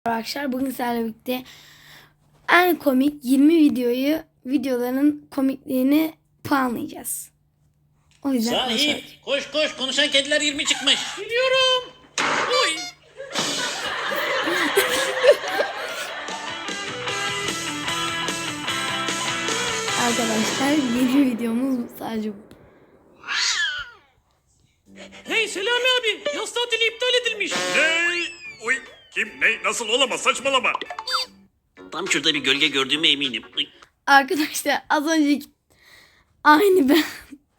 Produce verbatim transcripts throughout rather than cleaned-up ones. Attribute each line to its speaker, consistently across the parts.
Speaker 1: Arkadaşlar bugün sizlerle birlikte en komik yirmi videoyu videoların komikliğini puanlayacağız. O yüzden
Speaker 2: Sahip koş koş konuşan kediler yirmi çıkmış. Biliyorum. Oy.
Speaker 1: arkadaşlar yirmi videomuz sadece bu.
Speaker 2: Hey Selami abi yaz tatili iptal edilmiş.
Speaker 3: Ne? Uy, kim ne nasıl olamaz saçmalama.
Speaker 2: Tam şurada bir gölge gördüğüme eminim. Uy.
Speaker 1: Arkadaşlar az önceki aynı ben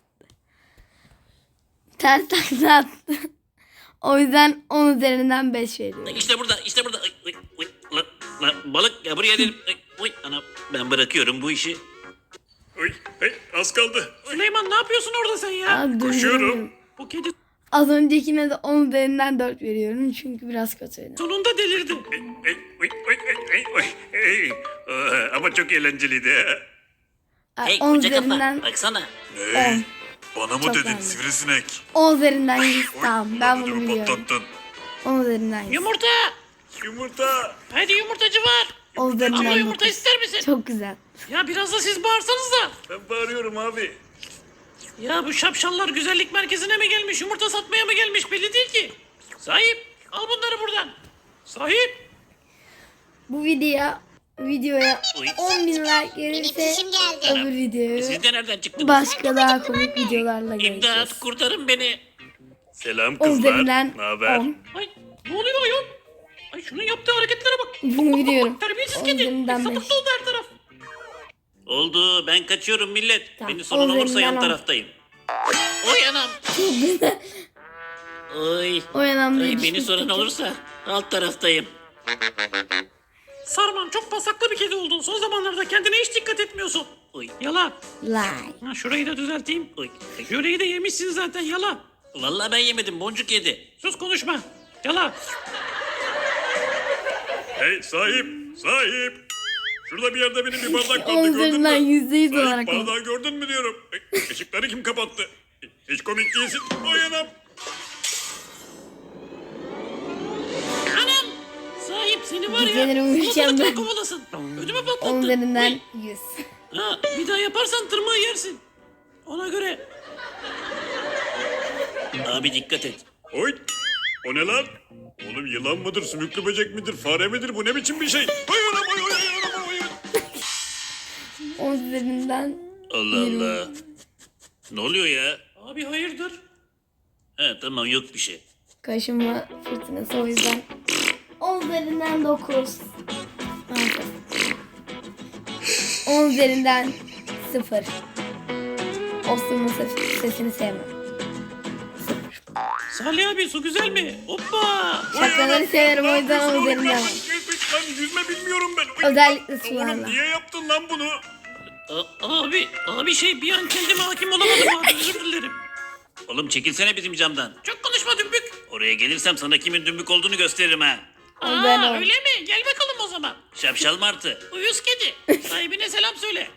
Speaker 1: ters takla attı. O yüzden on üzerinden beş veriyorum.
Speaker 2: İşte burada işte burada. Uy, uy, uy. La, la, balık ya buraya dedim. Uy, uy, ana ben bırakıyorum bu işi.
Speaker 3: Uy, hey, az kaldı.
Speaker 2: Süleyman ne yapıyorsun orada sen ya?
Speaker 1: Abi,
Speaker 3: Koşuyorum.
Speaker 1: durduramıyorum.
Speaker 2: Bu kedi
Speaker 1: Az öncekine de on üzerinden dört veriyorum çünkü biraz kötüydü.
Speaker 2: sonunda delirdi.
Speaker 3: Hey, hey, uy, uy, hey, uy, hey. Aa, ama çok eğlenceliydi.
Speaker 2: Hey
Speaker 1: on
Speaker 2: koca kafa
Speaker 1: üzerinden
Speaker 2: baksana.
Speaker 3: Ne?
Speaker 1: on.
Speaker 3: Bana mı
Speaker 1: Çok
Speaker 3: dedin
Speaker 1: beğendim.
Speaker 3: sivrisinek?
Speaker 1: on üzerinden yüz.
Speaker 3: Uy,
Speaker 1: Tamam ben bunu
Speaker 3: ödümü
Speaker 1: biliyorum.
Speaker 3: patlattın.
Speaker 1: on üzerinden yüz.
Speaker 2: Yumurta.
Speaker 3: Yumurta.
Speaker 2: Hadi yumurtacı var.
Speaker 1: on üzerinden
Speaker 2: Abla
Speaker 1: dokuz.
Speaker 2: yumurta ister misin?
Speaker 1: Çok güzel.
Speaker 2: Ya biraz da siz bağırsanız da.
Speaker 3: Ben bağırıyorum abi.
Speaker 2: Ya bu şapşallar güzellik merkezine mi gelmiş, yumurta satmaya mı gelmiş belli değil ki. Sahip, al bunları buradan. Sahip.
Speaker 1: Bu videoya videoya
Speaker 2: Uy.
Speaker 1: on bin like gelirse
Speaker 4: Benim geldi.
Speaker 1: öbür videoyu
Speaker 2: Siz de nereden çıktınız?
Speaker 1: başka daha komik videolarla
Speaker 2: İmdat,
Speaker 1: göreceğiz.
Speaker 2: kurtarın beni.
Speaker 3: Selam
Speaker 1: on
Speaker 3: kızlar.
Speaker 1: üzerinden
Speaker 3: Ne haber?
Speaker 1: on.
Speaker 2: Ay, ne oluyor ayol? Ay şunun yaptığı hareketlere bak.
Speaker 1: Bunu biliyorum.
Speaker 2: Terbiyesiz
Speaker 1: on
Speaker 2: kedi.
Speaker 1: üzerinden
Speaker 2: Sapık
Speaker 1: beş.
Speaker 2: doldu her taraf. Oldu, ben kaçıyorum millet.
Speaker 1: Tamam,
Speaker 2: Beni sorun
Speaker 1: on
Speaker 2: olursa yan
Speaker 1: üzerinden on.
Speaker 2: taraftayım. Oy anam.
Speaker 1: Çok güzel.
Speaker 2: Oy.
Speaker 1: O yanımda
Speaker 2: Ay, beni soran olursa alt taraftayım. Sarman çok pasaklı bir kedi oldun. Son zamanlarda kendine hiç dikkat etmiyorsun. Oy. Yala.
Speaker 1: Like.
Speaker 2: Ha, şurayı da düzelteyim. Oy. Şurayı da yemişsin zaten yala. Vallahi ben yemedim boncuk yedi. Sus konuşma. Yala.
Speaker 3: Hey sahip, sahip. Şurada bir yerde benim bir bardak
Speaker 1: on
Speaker 3: vardı gördün
Speaker 1: üzerinden
Speaker 3: mü?
Speaker 1: yüzde yüz
Speaker 3: Sahip
Speaker 1: olarak on.
Speaker 3: bardağı gördün mü diyorum. Hey, ışıkları kim kapattı? Hiç komik değilsin. Oy anam.
Speaker 2: Anam. Sahip seni var ya.
Speaker 1: Geceleri uyuyacağım
Speaker 2: salatalıkla
Speaker 1: ben.
Speaker 2: kovalasın. Ödümü patlattın.
Speaker 1: on üzerinden
Speaker 2: Oy.
Speaker 1: yüz.
Speaker 2: Ha, bir daha yaparsan tırmığı yersin. Ona göre. Abi dikkat et.
Speaker 3: Oy. O ne lan? Oğlum yılan mıdır, sümüklü böcek midir, fare midir? Bu ne biçim bir şey? Oy anam oy oy oy anam oy.
Speaker 1: on üzerinden
Speaker 2: Allah Allah. Ne oluyor ya? Abi hayırdır? He tamam yok bir şey.
Speaker 1: kaşınma fırtınası o yüzden on üzerinden dokuz. on üzerinden sıfır. Osman'ın sesini sevmem.
Speaker 2: Salih abi su güzel mi? Hoppa.
Speaker 1: Şakaları severim o yüzden on üzerinden.
Speaker 3: Lan yüzme bilmiyorum ben. Oy.
Speaker 1: Özellikle
Speaker 3: Oğlum
Speaker 1: sularla.
Speaker 3: niye yaptın lan bunu?
Speaker 2: A- abi, abi şey bir an kendime hakim olamadım abi özür dilerim. Oğlum çekilsene bizim camdan. Çok konuşma dümbük. Oraya gelirsem sana kimin dümbük olduğunu gösteririm ha.
Speaker 1: Ben
Speaker 2: Aa
Speaker 1: o.
Speaker 2: öyle mi? Gel bakalım o zaman. Şapşal martı. Uyuz kedi. Sahibine selam söyle.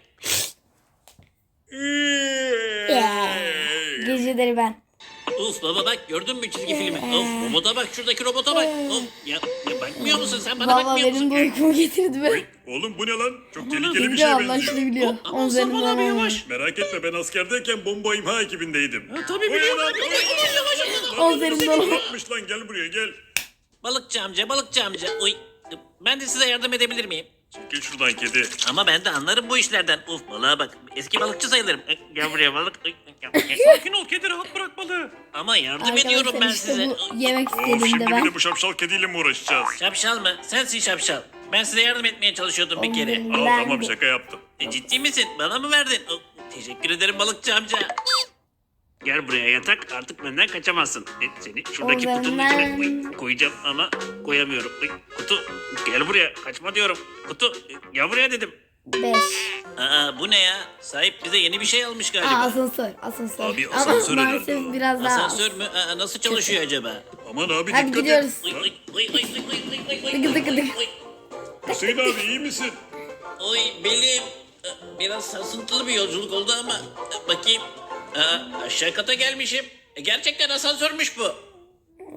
Speaker 1: Geceleri ben.
Speaker 2: Uf baba bak gördün mü çizgi filmi? Of robota bak şuradaki robota bak. Of ya, ya bakmıyor musun sen bana
Speaker 1: Valla
Speaker 2: bakmıyor
Speaker 1: benim
Speaker 2: musun?
Speaker 1: de uykumu getirdi be.
Speaker 3: Oğlum bu ne lan? Çok
Speaker 2: Aman
Speaker 3: tehlikeli bir
Speaker 1: Biliyor
Speaker 3: şeye
Speaker 1: Allah
Speaker 3: benziyor.
Speaker 1: şunu biliyor.
Speaker 2: Hop, aman
Speaker 1: on üzerinden
Speaker 2: Sarman abi
Speaker 1: on.
Speaker 2: yavaş.
Speaker 3: Merak etme ben askerdeyken bomba imha ekibindeydim.
Speaker 2: Ha, tabii
Speaker 3: Oy
Speaker 2: biliyorum
Speaker 3: anam,
Speaker 2: abi.
Speaker 3: oy
Speaker 2: Aman
Speaker 3: anam.
Speaker 2: aman yavaş aman.
Speaker 3: Lan
Speaker 1: On üzerinden
Speaker 3: seni
Speaker 1: on.
Speaker 3: kim atmış lan gel buraya gel.
Speaker 2: Balıkçı amca balıkçı amca. Oy. Ben de size yardım edebilir miyim?
Speaker 3: Çekil şuradan kedi.
Speaker 2: Ama ben de anlarım bu işlerden. Uf balığa bak. Eski balıkçı sayılırım. Ay, Gel buraya balık. Ay, ay,
Speaker 5: Sakin ol kedi rahat bırak balığı.
Speaker 2: Ama yardım ediyorum
Speaker 1: Arkadaşlar
Speaker 2: ben
Speaker 1: işte
Speaker 2: size.
Speaker 1: bu yemek
Speaker 3: Of
Speaker 1: istediğimde
Speaker 3: şimdi bir
Speaker 1: ben.
Speaker 3: de bu şapşal kediyle mi uğraşacağız?
Speaker 2: Şapşal mı? Sensin şapşal. Ben size yardım etmeye çalışıyordum bir kere.
Speaker 1: On
Speaker 3: Al
Speaker 1: üzerinden
Speaker 3: tamam
Speaker 1: bir.
Speaker 3: şaka yaptım.
Speaker 2: E, ciddi misin? Bana mı verdin? Oh, teşekkür ederim balıkçı amca. Gel buraya yatak artık benden kaçamazsın. E, seni şuradaki
Speaker 1: O
Speaker 2: kutunun
Speaker 1: zaman-
Speaker 2: içine koy- koyacağım ama koyamıyorum. Ay, kutu gel buraya kaçma diyorum. Kutu e, gel buraya dedim.
Speaker 1: beş.
Speaker 2: Aa bu ne ya? Sahip bize yeni bir şey almış
Speaker 1: Aa,
Speaker 2: galiba.
Speaker 1: asansör. Asansör.
Speaker 3: Abi,
Speaker 1: Ama
Speaker 3: asansör herhalde
Speaker 1: maalesef
Speaker 3: o.
Speaker 1: biraz daha az.
Speaker 2: Asansör mü? Aa, nasıl çalışıyor acaba?
Speaker 3: Aman abi
Speaker 1: Hadi
Speaker 3: dikkat
Speaker 1: gidiyoruz.
Speaker 3: et.
Speaker 2: Oy,
Speaker 3: Lan,
Speaker 2: oy, oy, oy, oy, oy, oy, oy, oy,
Speaker 1: Dıkı dıkı
Speaker 2: oy,
Speaker 1: dıkı.
Speaker 2: oy.
Speaker 3: Hüseyin abi iyi misin?
Speaker 2: Oy belim. Ee, Biraz sarsıntılı bir yolculuk oldu ama e, bakayım. Aa, aşağı kata gelmişim. E, gerçekten asansörmüş bu.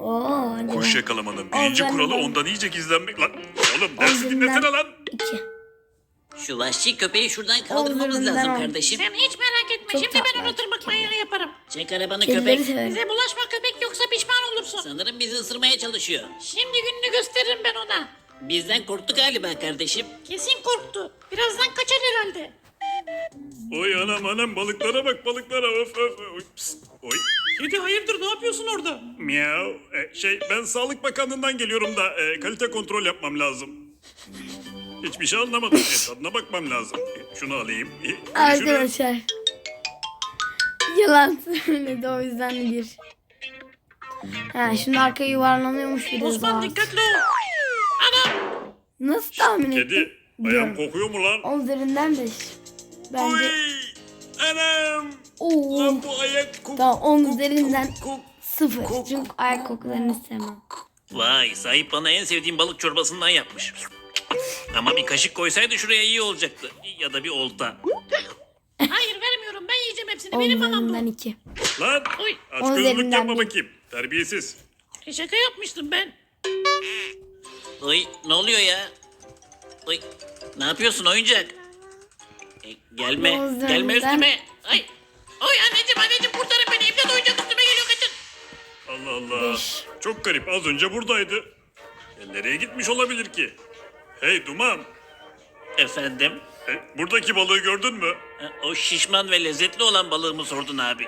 Speaker 1: Oo, hadi
Speaker 3: Kuş
Speaker 1: lan.
Speaker 3: yakalamanın birinci
Speaker 1: Ol, ben-
Speaker 3: kuralı
Speaker 1: ben-
Speaker 3: ondan iyice gizlenmek lan. Oğlum dersi
Speaker 1: Ol,
Speaker 3: dinlesene
Speaker 1: ben-
Speaker 3: lan.
Speaker 1: İki.
Speaker 2: Şu vahşi köpeği şuradan kaldırmamız
Speaker 1: Oğlum,
Speaker 2: lazım
Speaker 1: ben-
Speaker 2: kardeşim.
Speaker 5: Sen hiç merak etme.
Speaker 1: Çok
Speaker 5: Şimdi ben
Speaker 1: tatlı.
Speaker 5: onu tırmıklayı yaparım.
Speaker 2: Çek arabanı
Speaker 1: Kedileri
Speaker 2: köpek.
Speaker 1: severim.
Speaker 5: Bize bulaşma köpek yoksa pişman olursun.
Speaker 2: Sanırım bizi ısırmaya çalışıyor.
Speaker 5: Şimdi gününü gösteririm ben ona.
Speaker 2: Bizden korktu galiba kardeşim.
Speaker 5: Kesin korktu. Birazdan kaçar herhalde.
Speaker 3: Oy anam anam balıklara bak balıklara. Of of. Oy, pst, oy.
Speaker 5: Kedi hayırdır ne yapıyorsun orada?
Speaker 3: Miau. E, şey ben Sağlık Bakanlığı'ndan geliyorum da e, kalite kontrol yapmam lazım. Hiçbir şey anlamadım. E, tadına bakmam lazım. E, şunu alayım. E, görüşürüz.
Speaker 1: Arkadaşlar. Yalan söyledi o yüzden bir. Ha şimdi arkaya yuvarlanıyormuş biraz
Speaker 5: Osman
Speaker 1: daha.
Speaker 5: dikkatli ol. Anam.
Speaker 1: Nasıl tahmin ettin?
Speaker 3: Kedi. Ayağım kokuyor mu lan?
Speaker 1: On üzerinden beş. Bence.
Speaker 3: Oy. Anam.
Speaker 1: Oo.
Speaker 3: Lan bu ayak kok.
Speaker 1: Tamam on
Speaker 3: kok-
Speaker 1: üzerinden
Speaker 3: kok- kok.
Speaker 1: sıfır.
Speaker 3: Kok-
Speaker 1: Çünkü ayak kokularını sevmem.
Speaker 2: Vay sahip bana en sevdiğim balık çorbasından yapmış. Ama bir kaşık koysaydı şuraya iyi olacaktı. Ya da bir olta.
Speaker 5: Hayır vermiyorum ben yiyeceğim hepsini.
Speaker 1: On
Speaker 5: Benim mamam bu.
Speaker 1: üzerinden iki.
Speaker 3: Lan.
Speaker 5: Oy.
Speaker 3: Aç
Speaker 1: On
Speaker 3: gözlük
Speaker 1: üzerinden
Speaker 3: yapma
Speaker 1: bir.
Speaker 3: bakayım. Terbiyesiz.
Speaker 5: E, şaka yapmıştım ben.
Speaker 2: Oy ne oluyor ya? Oy ne yapıyorsun oyuncak? E, gelme
Speaker 1: Yoldan
Speaker 2: gelme
Speaker 1: ben-
Speaker 2: üstüme.
Speaker 5: Ay. Oy anneciğim anneciğim kurtarın beni. İmdat oyuncak üstüme geliyor kaçın.
Speaker 3: Allah Allah.
Speaker 1: Beş.
Speaker 3: Çok garip. Az önce buradaydı. E, nereye gitmiş olabilir ki? Hey Duman.
Speaker 2: Efendim?
Speaker 3: E, buradaki balığı gördün mü?
Speaker 2: Ha, o şişman ve lezzetli olan balığımı sordun abi.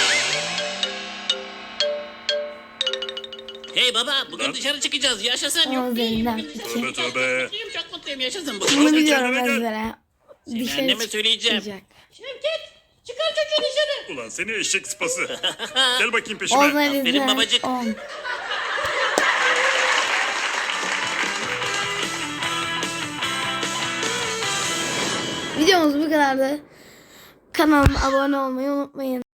Speaker 2: Hey baba bugün
Speaker 3: Lan.
Speaker 2: dışarı çıkacağız yaşasın.
Speaker 1: On
Speaker 2: Yok
Speaker 1: üzerinden
Speaker 2: değil.
Speaker 1: iki.
Speaker 3: Tövbe tövbe.
Speaker 2: Mutluyum çok mutluyum yaşasın bugün.
Speaker 1: Bunu
Speaker 3: Oğlum,
Speaker 1: biliyorum
Speaker 3: kendine gel.
Speaker 1: ezbere.
Speaker 2: Seni
Speaker 1: Dışarı
Speaker 2: anneme söyleyeceğim.
Speaker 1: çıkacak.
Speaker 5: Şevket çıkar çocuğu dışarı.
Speaker 3: Ulan seni eşek sıpası. Gel bakayım
Speaker 1: On
Speaker 3: peşime.
Speaker 1: üzerinden
Speaker 2: babacık.
Speaker 1: on. Videomuz bu kadardı. Kanalıma abone olmayı unutmayın.